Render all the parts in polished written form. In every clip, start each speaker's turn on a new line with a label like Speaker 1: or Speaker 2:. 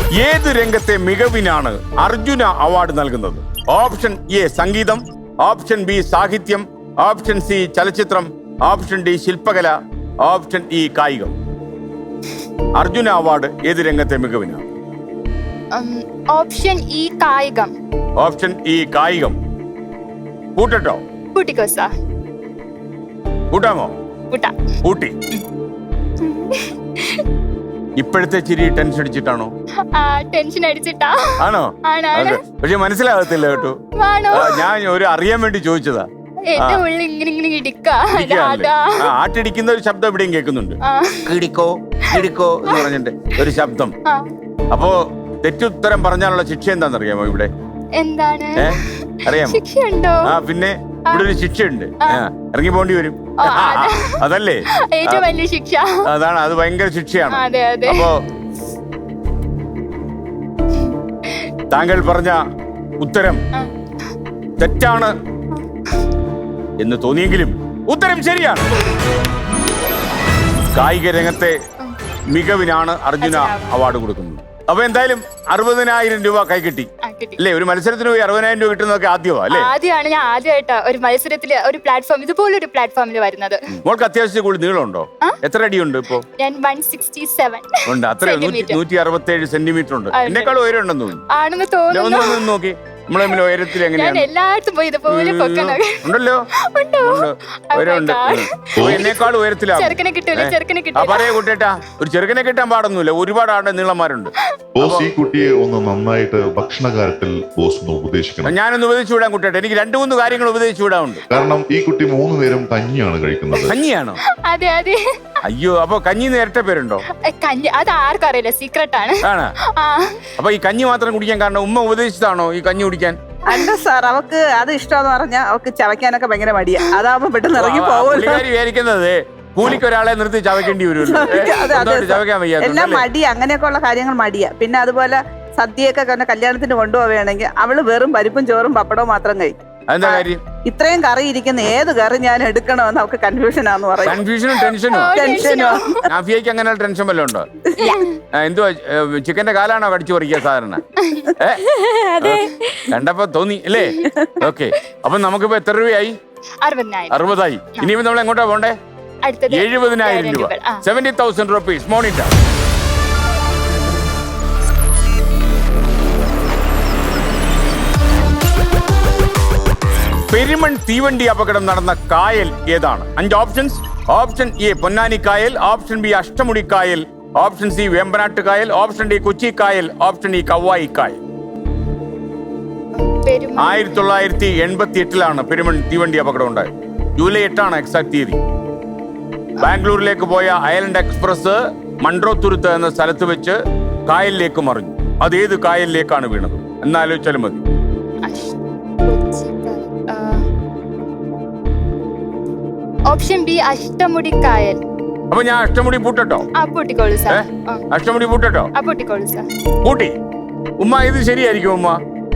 Speaker 1: ഏത് രംഗത്തെ മികവിനാണ് അർജുന അവാർഡ് നൽകുന്നത്? ഓപ്ഷൻ എ സംഗീതം, ഓപ്ഷൻ ബി സാഹിത്യം, ഓപ്ഷൻ സി ചലച്ചിത്രം, ഓപ്ഷൻ ഡി ശില്പകല, ഓപ്ഷൻ ഇ കായികം. അർജുന അവാർഡ് ഏത് രംഗത്തെ മികവിനാണ്?
Speaker 2: ഓപ്ഷൻ ഇ കായികം.
Speaker 1: ഓപ്ഷൻ ഇ കായികം. കൂട്ടട്ടോ?
Speaker 2: കൂട്ടിക്കോ സാർ.
Speaker 1: കൂട്ടാമോ?
Speaker 2: കൂട്ടാം.
Speaker 1: കൂട്ടി. ഇപ്പോഴത്തെ ചിരി ടെൻഷൻ അടിച്ചിട്ടാണോ?
Speaker 2: ടെൻഷൻ അടിച്ചിട്ടാ.
Speaker 1: ആണോ? പക്ഷെ മനസ്സിലാകത്തില്ല കേട്ടോ. ഞാൻ ഒരു അറിയാൻ വേണ്ടി ചോദിച്ചതാ.
Speaker 2: എന്റെ ഉള്ളിൽ ഇങ്ങനെ ഇടിക്കാ.
Speaker 1: ആട്ടിടിക്കുന്ന ഒരു ശബ്ദം ഇവിടെയും കേൾക്കുന്നുണ്ട്. ഇടിക്കോ ഇടിക്കോ എന്ന് പറഞ്ഞിട്ട് ഒരു ശബ്ദം. അപ്പോ തെറ്റുത്തരം പറഞ്ഞാലുള്ള ശിക്ഷ എന്താണെന്നറിയാമോ ഇവിടെ?
Speaker 2: എന്താണ്?
Speaker 1: അറിയാമോ?
Speaker 2: ശിക്ഷയുണ്ടോ?
Speaker 1: പിന്നെ ഇവിടെ ഒരു ശിക്ഷയുണ്ട്. ഇറങ്ങി പോണ്ടി വരും. അതല്ലേ
Speaker 2: ഏറ്റവും വലിയ ശിക്ഷ?
Speaker 1: അതാണ്, അത് ഭയങ്കര ശിക്ഷയാണ്.
Speaker 2: അതെ അതെ.
Speaker 1: അപ്പോ താങ്കൾ പറഞ്ഞ ഉത്തരം തെറ്റാണ് എന്ന് തോന്നിയെങ്കിലും ഉത്തരം ശരിയാണ്. കായിക രംഗത്തെ മികവിനാണ് അർജുന അവാർഡ് കൊടുക്കുന്നത്. അപ്പൊ എന്തായാലും 60,000 രൂപ കൈ കിട്ടി അല്ലേ? ഒരു മത്സരത്തിന് പോയി 60,000 രൂപ കിട്ടുന്നതൊക്കെ ആദ്യമാ അല്ലേ?
Speaker 2: ആദ്യമാണ്. ഞാൻ ആദ്യമായിട്ടാ ഒരു മത്സരത്തില് ഒരു പ്ലാറ്റ്ഫോം ഇതുപോലൊരു പ്ലാറ്റ്ഫോമിൽ വരുന്നത്.
Speaker 1: മോൾക്ക് അത്യാവശ്യം കൂടുതൽ നീളമുണ്ടോ? എത്ര അടിയുണ്ട് ഇപ്പൊ?
Speaker 2: ഞാൻ 167
Speaker 1: ഉണ്ട്. അത്ര 167 സെന്റിമീറ്റർ ഉണ്ട്. എന്നെക്കാളും ഉയരം ഉണ്ടെന്ന് തോന്നുന്നു.
Speaker 2: ആണെന്ന് തോന്നുന്നു.
Speaker 1: ഒന്ന് നോക്കി നമ്മളെ ഉയരത്തിൽ എങ്ങനെയാണ്?
Speaker 2: എല്ലായിടത്തും പോയി ഇതുപോലെ
Speaker 1: ഉണ്ടല്ലോ. എന്നേക്കാൾ ഉയരത്തിലാണ്.
Speaker 2: ചെറുക്കനെ കിട്ടൂല, ചെറുക്കനെ കിട്ടൂല.
Speaker 1: പറയാ കുട്ടേട്ടാ, ഒരു ചെറുക്കനെ കിട്ടാൻ പാടൊന്നുമില്ല. ഒരുപാട് ആളുടെ നീളന്മാരുണ്ട്.
Speaker 3: ബോസ് ഈ കുട്ടിയെ ഒന്ന് നന്നായിട്ട് ഭക്ഷണകാര്യത്തിൽ ബോസ് ഒന്ന് ഉപദേശിക്കണം.
Speaker 1: ഞാനൊന്ന് ഉപദേശിച്ചു വിടാൻ കുട്ടേട്ടാ. എനിക്ക് 2-3 കാര്യങ്ങൾ ഉപദേശിച്ചു വിടാറുണ്ട്.
Speaker 3: കാരണം ഈ കുട്ടി 3 നേരം കഞ്ഞിയാണ് കഴിക്കുന്നത്.
Speaker 1: കഞ്ഞിയാണോ?
Speaker 2: അതെ അതെ.
Speaker 1: അയ്യോ, അപ്പൊ കഞ്ഞി നേരത്തെ പേരുണ്ടോ?
Speaker 2: കഞ്ഞി അത് ആർക്കും അറിയില്ല, സീക്രട്ട് ആണ്.
Speaker 1: അപ്പൊ ഈ കഞ്ഞി മാത്രം കുടിക്കാൻ കാരണം ഉമ്മ ഉപദേശിച്ചതാണോ ഈ കഞ്ഞി കുടിക്കാൻ?
Speaker 4: അല്ല സാർ, അവക്ക് അത് ഇഷ്ടമെന്ന് പറഞ്ഞാൽ അവക്ക് ചവയ്ക്കാനൊക്കെ ഭയങ്കര മടിയാ. അതാവുമ്പോ പെട്ടെന്ന് ഇറങ്ങി പോകുമല്ലോ.
Speaker 1: വിചാരിക്കുന്നത് കൂലിക്ക് ഒരാളെ നിർത്തി ചവയ്ക്കേണ്ടി വരുമല്ലോ. ചവയ്ക്കാൻ വയ്യ.
Speaker 4: എല്ലാം മടിയാ, അങ്ങനെയൊക്കെ ഉള്ള കാര്യങ്ങൾ മടിയാ. പിന്നെ അതുപോലെ സദ്യയൊക്കെ കല്യാണത്തിന് കൊണ്ടുപോവുകയാണെങ്കിൽ അവള് വെറും പരിപ്പും ചോറും പപ്പടവും മാത്രം കഴിക്കും.
Speaker 1: എന്താ കാര്യം?
Speaker 4: ഇത്രയും കറി ഇരിക്കുന്ന ഏത് കറി ഞാൻ എടുക്കണമെന്ന് അവർക്ക് കൺഫ്യൂഷനാന്ന് പറയും.
Speaker 1: കൺഫ്യൂഷനും ടെൻഷനോ? നാഫിയക്ക് അങ്ങനെ ടെൻഷൻ വല്ലതും ഉണ്ടോ? എന്തുവാ, ചിക്കന്റെ കാലാണോ കടിച്ചു പറിക്കുക സാധാരണ? കണ്ടപ്പോ തോന്നി അല്ലേ? ഓക്കെ. അപ്പൊ നമുക്കിപ്പോ എത്ര രൂപയായി? 60,000. ഇനിയിപ്പോ നമ്മൾ എങ്ങോട്ടാ പോണ്ടേ? 70,000 രൂപ. 70,000 rupees. മോണിറ്റർ. പെരുമൺ തീവണ്ടി അപകടം നടന്ന കായൽ ഏതാണ്? 5 ഓപ്ഷൻസ്. ഓപ്ഷൻ എ പൊന്നാനി കായൽ, ഓപ്ഷൻ ബി അഷ്ടമുടി കായൽ, ഓപ്ഷൻ സി വേമ്പനാട്ട് കായൽ, ഓപ്ഷൻ ഡി കൊച്ചി കായൽ, ഓപ്ഷൻ ഇ കവായി കായൽ. 1988 പെരുമൺ തീവണ്ടി അപകടം ഉണ്ടായത്. ജൂലൈ 8 എക്സാക്ട് തീയതി. ബാംഗ്ലൂരിലേക്ക് പോയ ഐലൻഡ് എക്സ്പ്രസ് മൺട്രോത്തുരുത്ത് എന്ന സ്ഥലത്ത് വെച്ച് കായലിലേക്ക് മറിഞ്ഞു. അതേത് കായലിലേക്കാണ് വീണത്? എന്നാലോചിച്ചാലും മതി.
Speaker 2: ഓപ്ഷൻ ബി അഷ്ടമുടി കായൽ.
Speaker 1: അപ്പൊ ഞാൻ അഷ്ടമുടി പൂട്ടട്ടോ?
Speaker 2: പൂട്ടിക്കോളൂ സാർ.
Speaker 1: അഷ്ടമുടി പൂട്ടട്ടോ?
Speaker 2: പൂട്ടിക്കോളൂ സാർ.
Speaker 1: പൂട്ടി. ഉമ്മ ഇത് ശരിയായിരിക്കും ഉമ്മ?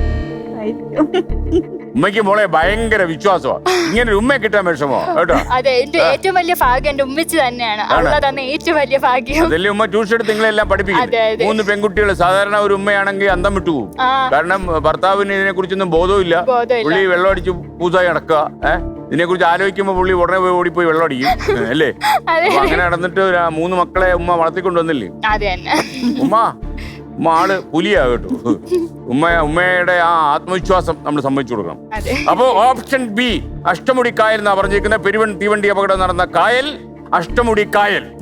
Speaker 1: ഉമ്മയ്ക്ക് മോളെ ഭയങ്കര വിശ്വാസമാണ്. ഇങ്ങനെ ഒരു ഉമ്മയെ കിട്ടാൻ വിഷമോ കേട്ടോ?
Speaker 2: അതെ, എന്റെ ഏറ്റവും വലിയ ഭാഗ്യം എന്റെ ഉമ്മച്ചി തന്നെയാണ്. തന്നെ ഏറ്റവും വലിയ ഭാഗ്യം.
Speaker 1: അതല്ലേ ഉമ്മ ട്യൂഷൻ എടുത്ത് നിങ്ങളെല്ലാം പഠിപ്പിക്കും. 3 പെൺകുട്ടികൾ. സാധാരണ ഒരു ഉമ്മയാണെങ്കിൽ അന്തം വിട്ടുപോകും. കാരണം ഭർത്താവിന് ഇതിനെ കുറിച്ചൊന്നും ബോധമില്ല. പുള്ളി വെള്ളം അടിച്ച് പൂസായി നടക്കുക. ഇതിനെ കുറിച്ച് ആലോചിക്കുമ്പോ പുള്ളി ഉടനെ പോയി ഓടിപ്പോയി വെള്ളം അടിക്കും അല്ലേ? അങ്ങനെ നടന്നിട്ട് 3 മക്കളെ ഉമ്മ വളർത്തിക്കൊണ്ടുവന്നില്ലേ? ഉമ്മ ആള് പുലിയാ കേട്ടോ. ഉമ്മയുടെ ആ ആത്മവിശ്വാസം നമ്മൾ സമ്മതിച്ചു കൊടുക്കണം. അപ്പോ ഓപ്ഷൻ ബി അഷ്ടമുടി കായൽ എന്നാ പറഞ്ഞിരിക്കുന്ന പെരുവൺ തീവണ്ടി അപകടം നടന്ന കായൽ അഷ്ടമുടി കായൽ.